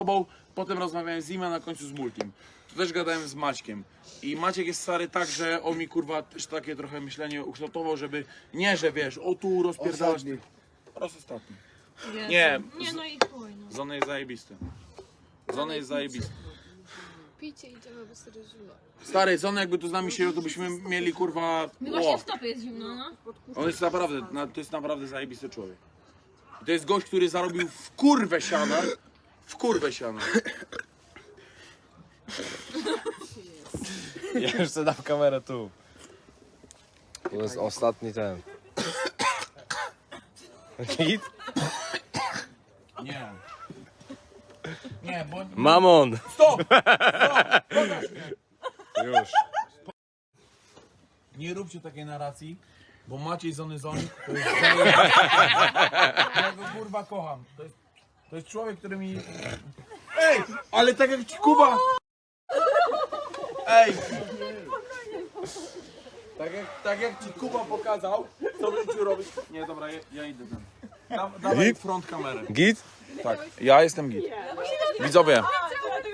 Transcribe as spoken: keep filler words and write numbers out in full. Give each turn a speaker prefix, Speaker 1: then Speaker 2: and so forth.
Speaker 1: tobą, potem rozmawiałem z nim, a na końcu z Multim. Tu też gadałem z Maćkiem. I Maciek jest stary tak, że on mi kurwa też takie trochę myślenie ukształtował, żeby nie, że wiesz, o tu rozpierdalasz.
Speaker 2: Ostatni.
Speaker 1: Raz ostatni.
Speaker 3: Jezu.
Speaker 1: Nie.
Speaker 3: Nie, no i chuj, no.
Speaker 1: Zony jest zajebisty. Zony jest zajebisty.
Speaker 4: Picie idziemy, bo serio zimno.
Speaker 1: Stary, Zony jakby tu z nami siedział, to byśmy mieli kurwa...
Speaker 3: Mi właśnie
Speaker 1: Ło.
Speaker 3: w stopie jest zimno, no.
Speaker 1: On jest naprawdę, na- to jest naprawdę zajebisty człowiek. I to jest gość, który zarobił w kurwę siana. W kurwę siana.
Speaker 5: Ja już sobie dam kamerę tu. To jest ostatni ten. Hit?
Speaker 1: Nie. Nie, bo...
Speaker 5: Mamon!
Speaker 1: Stop! Stop! Pokaż mnie.
Speaker 5: Już.
Speaker 1: Nie róbcie takiej narracji, bo Maciej Zony Zoni to jest zajebisty. Ja go kurwa kocham. To jest, to jest człowiek, który mi... Ej! Ale tak jak ci Kuba... Ej! Tak jak, tak jak ci Kuba pokazał, co będziecie robić... Nie, dobra, ja, ja idę tam. Da, dawaj
Speaker 5: Git?
Speaker 1: front kamerę.
Speaker 5: Git?
Speaker 1: Tak, ja jestem git. Widzowie,